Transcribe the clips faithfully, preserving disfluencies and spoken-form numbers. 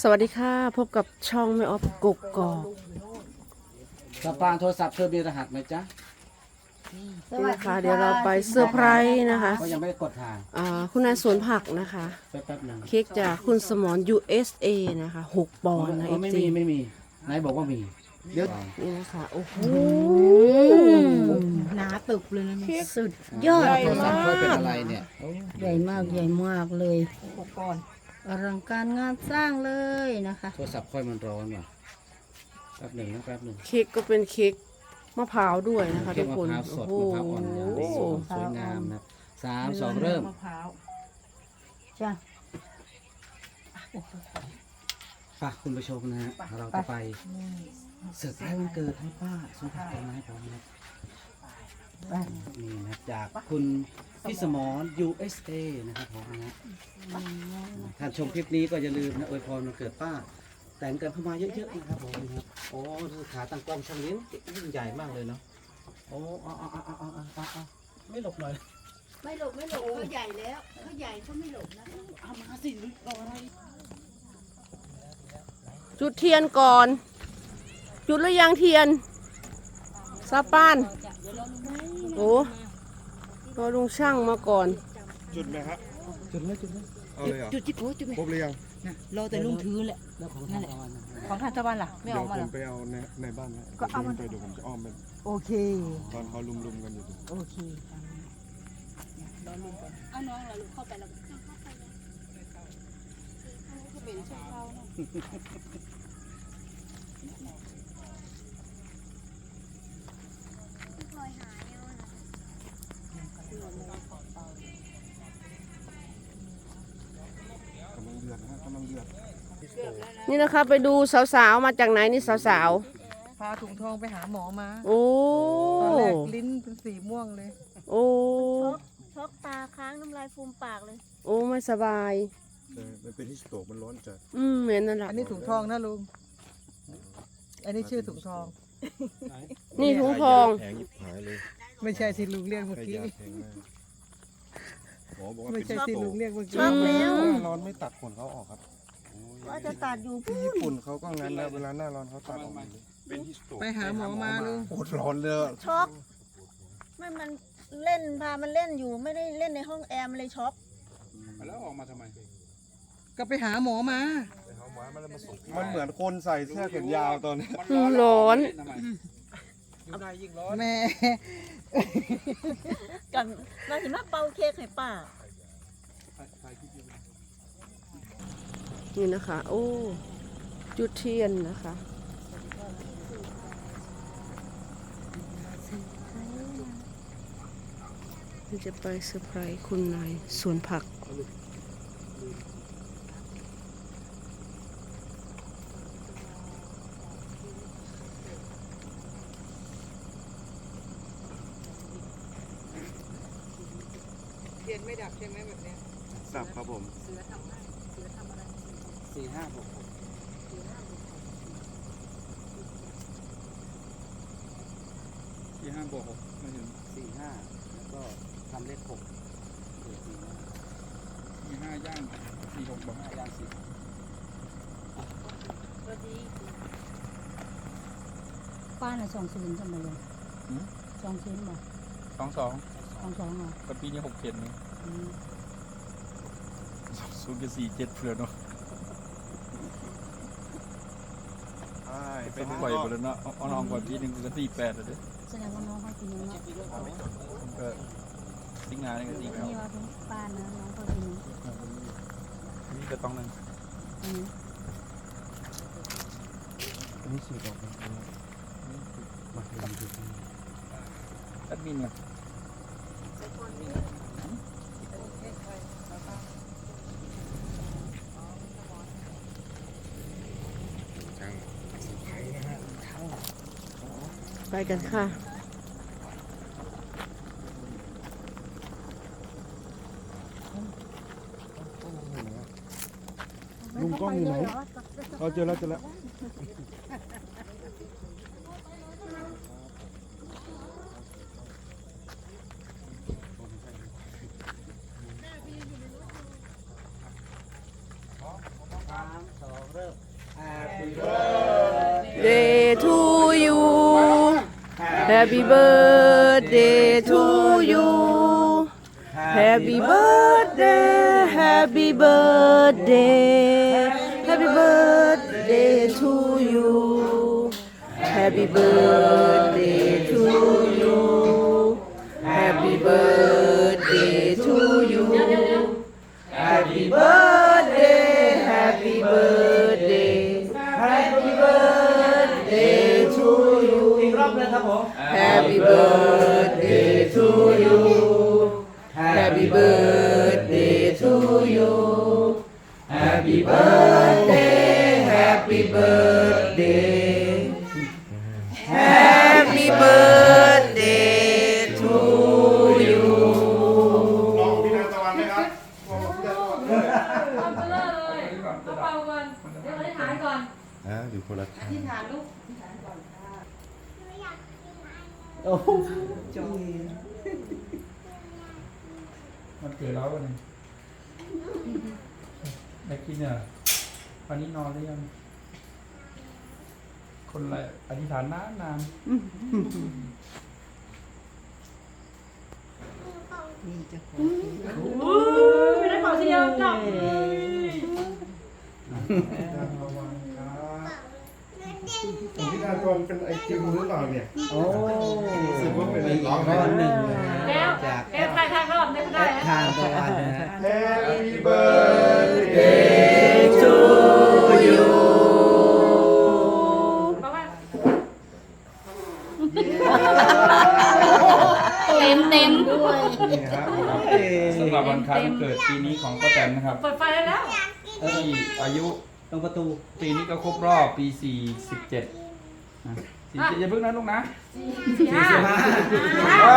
สวัสดีค่ะพบกับช่องไม่ออฟกกกอกสปางโทรศัพท์เธอมีรหัสไหมจ๊ะนี่นะคะเดี๋ยวเราไปเซอร์ไพรส์นะคะก็ยังไม่ได้กดทางอ่าคุณนายสวนผักนะคะแป๊บๆหนึ่งเค้กจากคุณสมร ยู เอส เอ นะคะหกปอนด์นะอ๋เออฟไม่ซีมีไม่มีไหนบอกว่ามี เดี๋ยวนี่นะคะโอ้โหหนาตึกเลยนะเนี่ยสุดยอดโทรศัพท์ค่อยเป็นอะไรเนี่ยใหญ่มากใหญ่มากเลยหกก้อนอลังการงานสร้างเลยนะคะโทรศัพท์ค่อยมันร้อนว่ะแป๊บหนึ่งนะแป๊บหนึ่งเค้กก็เป็นเค้กมะพร้าวด้วยนะคะเค้ทุกกมะคนพร้าวสโอ้ดโหมะพร้าวอ่อนอย่างดีสวยงามนะสามสองเริ่มมะพร้าวจ้ะฝากคุณผู้ชมนะฮะเราจะไปเซอร์ไพรส์วันเกิดให้ป้าสุภาพไม้พร้อมนะนี่นะจากคุณพี่สมร ยู เอส เอ นะครับผมนะฮะท่านชมคลิปนี้ก็อย่าลืมนะอวยพรวันเกิดป้า แต่งกันเข้ามาเยอะๆนะครับผมนะครับโอ้ขาตั้งกล้องช่างเลี้ยงยิ่งใหญ่มากเลยเนาะโอ้เอาเอาเอาเอาเอาเอาเอาไม่หลบหน่อยไม่หลบไม่หลบเขาใหญ่แล้วเขาใหญ่เขาไม่หลบนะเอามาสิรออะไรจุดเทียนก่อน จุดหรือยังเทียนซาปานโอ้รอลุงช่างมาก่อนจุดไหมครับจุดเลยจุดเลยเอาเลยเหรอจุดจิบโอ้จุดไหมครบหรือยังนะรอแต่ลุงถือแหละแล้วของทางออนนะของท่านตะวันล่ะไม่เดี๋อยวอกมาผหรอมไปเอาในในบ้านนะก็เอามันไปเดี๋ยวผมจะอ้อมไปโอเคตอนเขาลุมๆกันอยู่โอเครอลุงก่อนเอาน้องเราลูกเข้าไปแล้วเข้าไปเลยจะเป็นช่วงเราเนาะกำลังเดือดนะฮะกำลังเดือดนี่นะคะไปดูสาวๆมาจากไหนนี่สาวพาถุงทองไปหาหมอมาๆโอ้ตอนแรกลิ้นเป็นสีม่วงเลยโอ้ช็อกตาค้างน้ำลายฟูมปากเลยโอ้ไม่สบายแต่มันเป็นที่สโตกมันร้อนจัดอืมเหม็นนั่นแหละอันนี้ถุงทองนะลุงอันนี้ชื่อถุงทองนี่ถุงทองแพงยิบหายเลยไม่ใช่ที่ลุงเรียกเมื่อให้กี้ยาแพงมากหมอบอกว่าไม่เป็นใช่ที่ที่สโตลุกงเรียกเมื่อช็กี้อกแล้วหน้าร้อนไม่ตัดขนเขาออกครับว่าจะตัดอยู่ที่ญี่ปุ่นเขาก็งั้นนะเวลาหน้าร้อนเขาตัดออกหมดเลยเป็นที่สโตกไปหาหมอมาลุงโคตรร้อนเลยอะช็อกไม่มันเล่นพามันเล่นอยู่ไม่ได้เล่นในห้องแอร์มันเลยช็อกแล้วออกมาทำไมก็ไปหาหมอมามันเหมือนคนใส่เสื้อแขนยาวตอนนี้อืมร้อนแม่กันมาถึงมาเป่าเค้กให้ป้านี่นะคะ โอ้ จุดเทียนนะคะนี่จะไปเซอร์ไพรส์คุณนายสวนผักเทียนไม่ดับใช่ไหมแบบเนี้ยสับครับผมสี่ห้าหกหกที่ห้าบวกหกไม่ถึงสี่ห้าแล้วก็ทำเลขหกเกิดสี่ห้าที่ห้าย่างสี่หกบอกห้าย่างสี่ป้าน่ะสองศูนย์ทำไมเลยสองศูนย์บ่สองสองสองสองเหรอกับปีนี้หกเจ็ดนี่ศูนย์กับสี่เจ็ดเพื่อนเนาะเป็นปล่อยไปแล้วเนาะเอาน้องก่อนปีหนึ่งก็สี่แปดเลยแสดงว่าน้องเขากินเนาะก็สิงหาเนี่ยก็สี่เก้านี่ว่าเป็นป้านะน้องเขากินนี่ก็ต้องนั่งอันนี้อันนี้สี่ดอกมาลองดูแอดมินเนี่ยช่างไปกันค่ะลุงกล้องอยู่ไหนเราเจอแล้วเจอแล้วสามสองเริ่ม Day to you Happy birthday to you Happy birthday Happy birthday Happy birthday to you Happy birthday to you Happy birthday to you Happy birthday Happy birthday Happy birthday to you อีกรอบเลยครับผม Happy birthday to you Happy birthday to you Happy birthday Happy birthday Happy birthday to you ลองพี่นาตะวันไหมครับลองพี่นาตะวันเอาไปเลยเอาเป่าก่อนเดี๋ยวอธิษฐานก่อนอ่าอยู่คนละทางอธิษฐานลูกโอ้โหมันเกิดแล้ววันนี้ได้กินเนี่ยวันนี้นอนหรือยัง คนอะไรอธิษฐานนานนานไม่ได้เป่าทีเดียวจบระวังครับพี่นาตะวันเป็นไอติมหรือเปล่าเนี่ยโอ้รู้สึกว่าเป็นมีร้องก้อนหนึ่งนะฮะแล้วจากเอฟใครทางรอบได้ไม่ได้ทานตะวันนะฮะ Happy birthday to you เพราะว่าเต็มเต็มด้วยนี่ครับสำหรับวันคล้ายวันเกิดปีนี้ของป้าแตนนะครับเปิดไฟได้แล้วที่อายุตรงประตูปีนี้ก็ครบรอบปีสี่สิบเจ็ดนะสี่สิบเจ็ดอย่าเพิ่งนะลูกนะสี่ห้าอ่า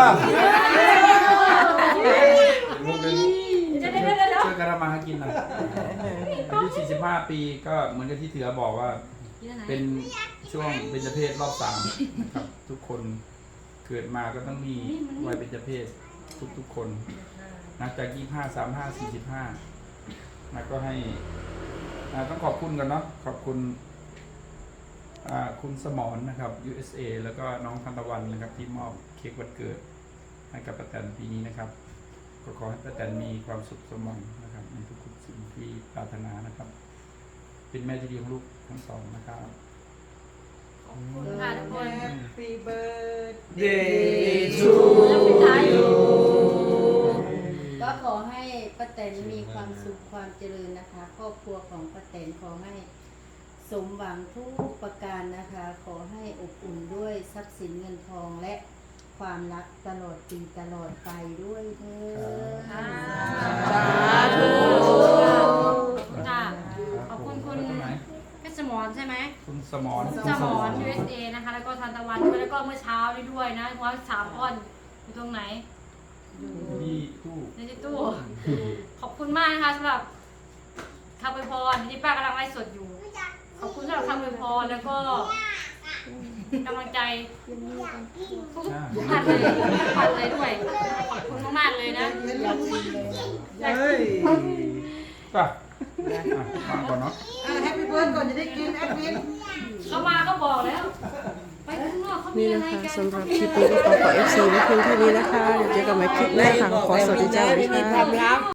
ลูกเป็นเดี๋ยวเดี๋ยวเดี๋ยวเดี๋ยวช่วยกันทำมาหากินหน่อยอายุสี่สิบห้าปีก็เหมือนกับที่เถือบอกว่า เป็นช่วงเบญจเพศรอบสามนะครับทุกคนเกิดมาก็ต้องมีวัยเบญจเพศทุกๆคนนะจากยี่ห้าสามห้าสี่สิบห้านะก็ให้นะต้องขอบคุณกันเนาะขอบคุณอ่าคุณสมรนะครับ ยู เอส เอ แล้วก็น้องทันตะวันนะครับที่มอบเค้กวันเกิดให้กับป้าแตนปีนี้นะครับก็ขอให้ป้าแตนมีความสุขสมหวังนะครับในทุกๆสิ่งที่ปรารถนานะครับ เป็นแม่ที่ดีของลูกทั้งสองนะครับขอบคุณค่ะทุกคน Happy birthday Day to แล้วปิดท้ายอยู่ก็ขอให้ป้าแตนมีความสุขความเจริญนะคะ ครอบครัวของป้าแตนขอให้สมหวังทุกประการนะคะ ขอให้อบอุ่นด้วยทรัพย์สินเงินทองและความรักตลอดปีตลอดไปด้วยเถิดอ่าสาธุค่ะขอบคุณคุณตรงไหนเพชรสมรใช่ไหมคุณสมรสมร ยู เอส เอ นะคะ แล้วก็ทันตะวันด้วยแล้วก็เมื่อเช้านี้ด้วยนะว่าสามอ้อนอยู่ตรงไหนที่ตู้ในที่ตู้ ขอบคุณมากนะคะสำหรับคำอวยพรที่ป้ากำลังไลฟ์สดอยู่ ขอบคุณสำหรับคำอวยพรแล้วก็กำลังใจทุกๆท่านเลยทุกท่านเลยด้วย ขอบคุณมากๆเลยนะเฮ้ยป่ะอ่ะมาก่อนเนาะอ่ะ Happy birthday ก่อนจะได้กินแอดมินเขามาก็บอกแล้ว ไปข้างนอกเขามีนี่อะนะไรคะกันสำหรับคลิปนี้ก็ขอขอ เอฟ ซี ไว้เพียงเท่านี้นะคะเดี๋ยวเจอกันใหม่คลิปหน้าค่ะขอสวัสดีเจ้าสวัสดีค่ะ